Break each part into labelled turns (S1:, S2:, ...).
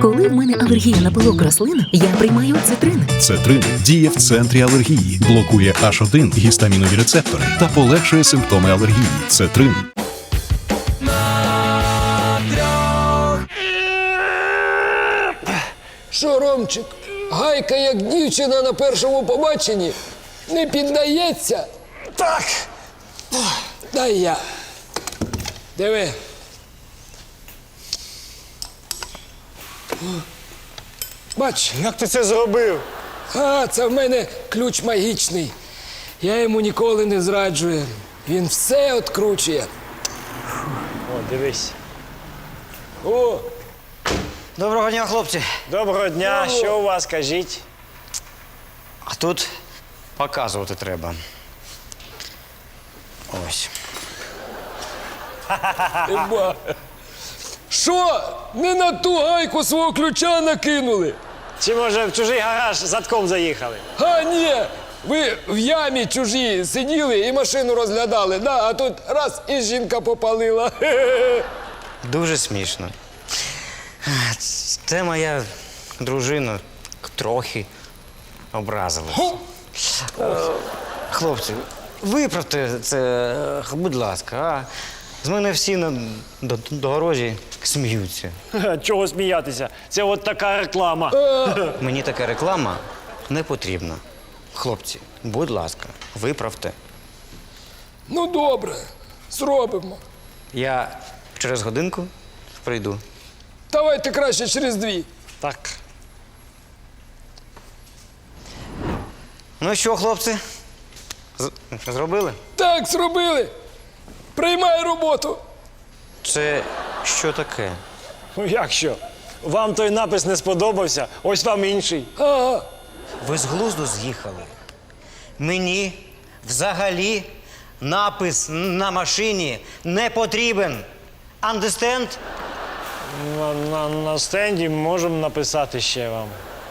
S1: Коли в мене алергія на пилок рослин, я приймаю цитрин.
S2: Цетрин діє в центрі алергії, блокує H1 гістамінові рецептори та полегшує симптоми алергії. Цетрин.
S3: Що, Ромчик, гайка як дівчина на першому побаченні не піддається?
S4: Так.
S3: Дай я. Диви. Бач,
S4: Як ти це зробив?
S3: це в мене ключ магічний. Я йому ніколи не зраджую. Він все откручує.
S4: О, дивись.
S3: О,
S5: Доброго дня, хлопці.
S4: Доброго дня, що у вас, кажіть?
S5: А тут показувати треба. Ось.
S3: еба. Що? Не на ту гайку свого ключа накинули?
S4: Чи може в чужий гараж задком заїхали?
S3: Ні, ви в ямі чужі сиділи і машину розглядали, да? А тут раз і жінка попалила.
S5: Дуже смішно. Це моя дружина трохи образилась. Хлопці, виправте це, будь ласка, а? З мене всі на дорозі сміються.
S4: Чого сміятися? Це от така реклама.
S5: Мені така реклама не потрібна. Хлопці, будь ласка, виправте.
S3: Ну, добре, зробимо.
S5: Я через годинку прийду.
S3: Давайте краще через 2.
S4: Так.
S5: Ну що, хлопці? Зробили?
S3: Так, зробили. Приймай роботу.
S5: Це що таке?
S4: Ну як що? Вам той напис не сподобався, ось вам інший.
S3: Ага.
S5: Ви з глузду з'їхали. Мені взагалі напис на машині не потрібен. Understand?
S4: На стенді можемо написати ще вам.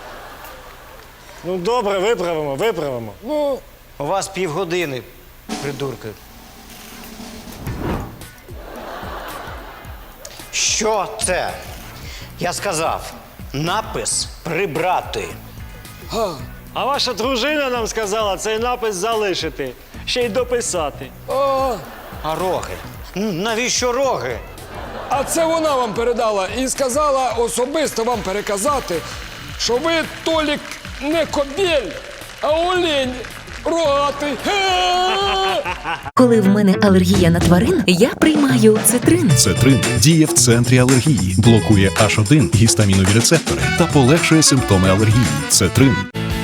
S4: Ну добре, виправимо.
S3: Ну,
S5: У вас півгодини, придурки. Що це? Я сказав, напис прибрати.
S4: А ваша дружина нам сказала цей напис залишити, ще й дописати.
S5: А роги? Навіщо роги?
S3: а це вона вам передала і сказала особисто вам переказати, що ви, Толік, не кобєль, а олень рогатий.
S1: Коли в мене алергія на тварин, я приймаю цитрин.
S2: Цетрин діє в центрі алергії, блокує H1 гістамінові рецептори та полегшує симптоми алергії. Цетрин.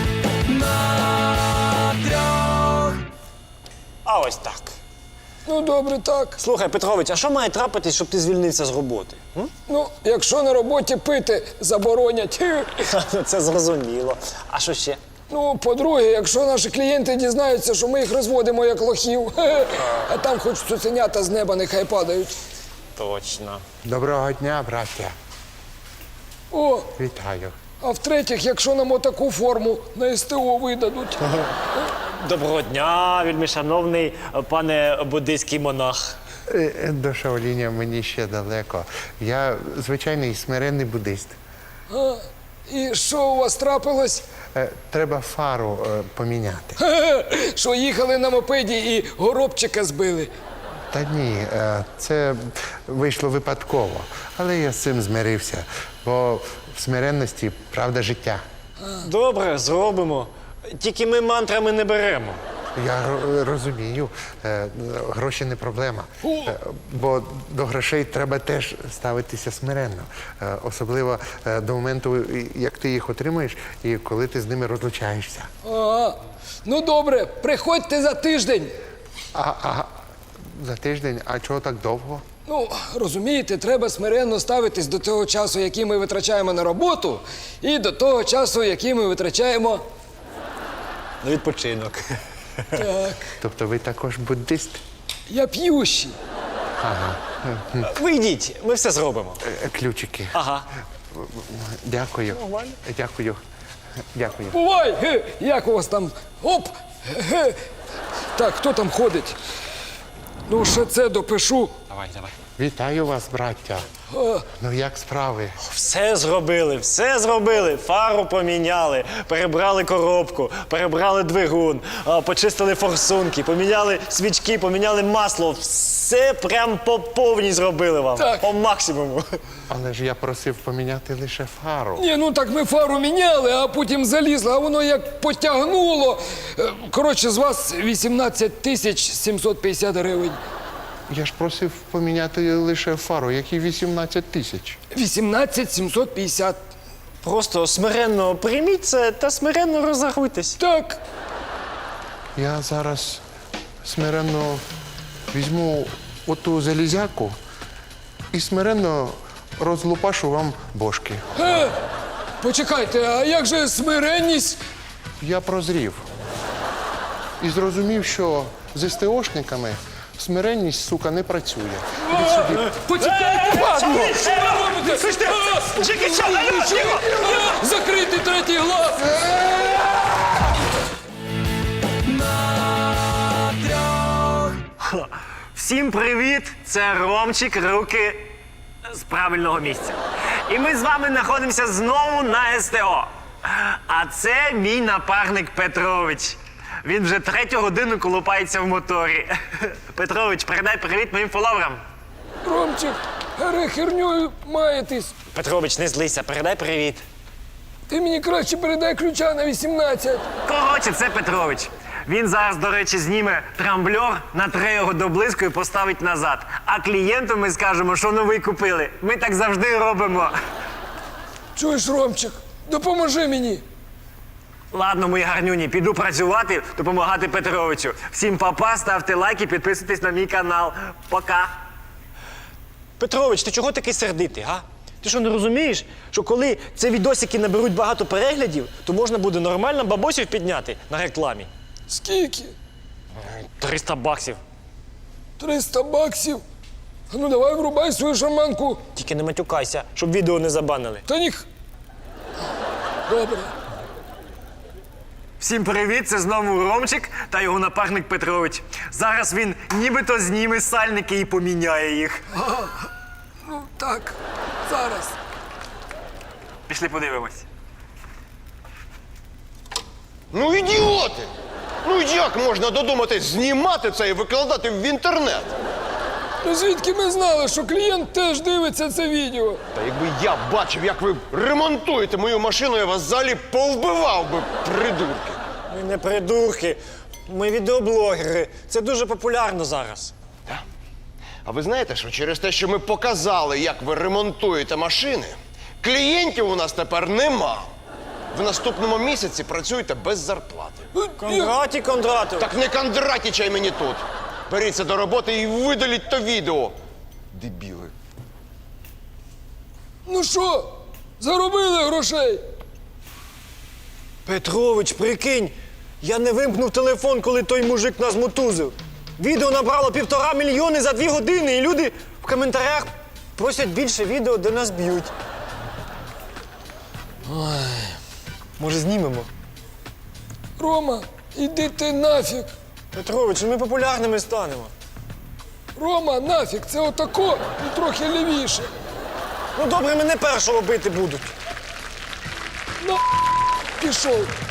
S4: А ось так.
S3: Ну, добре, так.
S4: Слухай, Петрович, а що має трапитись, щоб ти звільнився з роботи?
S3: Ну, якщо на роботі пити заборонять.
S4: Це зрозуміло. А що ще?
S3: Ну, по-друге, якщо наші клієнти дізнаються, що ми їх розводимо як лохів, а там хоч цуценята з неба нехай падають.
S4: Точно.
S6: Доброго дня, браття.
S3: О,
S6: Вітаю.
S3: а в-третіх, якщо нам отаку форму на СТО видадуть.
S4: Доброго дня, вельмишановний пане буддийський монах.
S6: До Шаоліня мені ще далеко. Я звичайний смиренний буддист.
S3: І що у вас трапилось?
S6: Треба фару поміняти.
S3: Що їхали на мопеді і горобчика збили.
S6: Та ні, це вийшло випадково. Але я з цим змирився, бо в смиренності правда життя.
S4: Добре, зробимо. Тільки ми мантрами не беремо.
S6: Я розумію, гроші не проблема. Бо до грошей треба теж ставитися смиренно. Особливо до моменту, як ти їх отримуєш і коли ти з ними розлучаєшся.
S3: Ага. Ну добре, приходьте за тиждень.
S6: А за тиждень, а чого так довго?
S3: Ну, розумієте, треба смиренно ставитись до того часу, який ми витрачаємо на роботу, і до того часу, який ми витрачаємо.
S4: На відпочинок.
S3: Так,
S6: Тобто ви також буддист?
S3: я п'ющий.
S4: Ви йдіть, ми все зробимо.
S6: Ключики.
S4: Ага.
S6: Дякую.
S4: Нормально.
S6: Дякую. Дякую.
S3: Бувай! Як у вас там? Оп! Так, хто там ходить? Ну, ще це допишу.
S4: Давай.
S6: Вітаю вас, браття. Ну як справи?
S4: Все зробили, все зробили. Фару поміняли, перебрали коробку, перебрали двигун, почистили форсунки, поміняли свічки, поміняли масло. Все прям по повній зробили вам.
S3: Так.
S4: По максимуму.
S6: Але ж я просив поміняти лише фару.
S3: Ні, ну так ми фару міняли, а потім залізли, а воно як потягнуло. Коротше, з вас 18 тисяч 750 гривень.
S6: Я ж просив поміняти лише фару, які 18 тисяч.
S3: 18 750.
S4: Просто смиренно прийміть це та смиренно розрахуйтесь.
S3: Так.
S6: Я зараз смиренно візьму оту залізяку і смиренно розлупашу вам бошки.
S3: Почекайте, а як же смиренність?
S6: Я прозрів і зрозумів, що з СТОшниками смиренність, сука, не працює. Ідіть сюди.
S3: Почекайте, падло! Що ви робите? Закритий третій глаз!
S4: Всім привіт! Це Ромчик, руки з правильного місця. І ми з вами знаходимося знову на СТО. А це мій напарник Петрович. Він вже 3-ю годину колупається в моторі. Петрович, передай привіт моїм фоловерам.
S3: Ромчик, херньою маєтесь.
S4: Петрович, не злися, передай привіт.
S3: Ти мені краще передай ключа на 18.
S4: Коротше, це Петрович. Він зараз, до речі, зніме трамблер, натре його до блиску і поставить назад. А клієнту ми скажемо, що новий купили. Ми так завжди робимо.
S3: Чуєш, Ромчик, допоможи мені.
S4: Ладно, мої гарнюні, піду працювати, допомагати Петровичу. Всім па-па, ставте лайки, підписуйтесь на мій канал. Пока. Петрович, ти чого такий сердитий, га? Ти що, не розумієш, що коли ці відосики наберуть багато переглядів, то можна буде нормально бабосів підняти на рекламі?
S3: Скільки?
S4: 300 баксів.
S3: 300 баксів? А ну давай врубай свою шарманку.
S4: Тільки не матюкайся, щоб відео не забанили.
S3: Та ніх. Добре.
S4: Всім привіт, це знову Ромчик та його напарник Петрович. Зараз він нібито зніме сальники і поміняє їх.
S3: Ну так, зараз.
S4: Пішли подивимось.
S7: Ну, ідіоти! Ну як можна додуматись знімати це і викладати в інтернет?
S3: Ну звідки ми знали, що клієнт теж дивиться це відео?
S7: Та якби я бачив, як ви ремонтуєте мою машину, я вас взагалі повбивав би, придурки.
S4: Ми не придурки, ми відеоблогери. Це дуже популярно зараз.
S7: А ви знаєте, що через те, що ми показали, як ви ремонтуєте машини, клієнтів у нас тепер нема. В наступному місяці працюєте без зарплати.
S4: Кондраті Кондратов.
S7: Так не кондратічай мені тут. Беріться до роботи і видаліть то відео. Дебіли.
S3: Ну що, заробили грошей?
S4: Петрович, прикинь, я не вимкнув телефон, коли той мужик нас мотузив. Відео набрало 1,5 мільйони за 2 години, і люди в коментарях просять більше відео, де нас б'ють. Ой, може знімемо?
S3: Рома, іди ти нафіг.
S4: Петрович, ми популярними станемо.
S3: Рома, нафіг, це отако і трохи лівіше.
S4: Ну добре, мене першого бити будуть.
S3: Ну, пішов.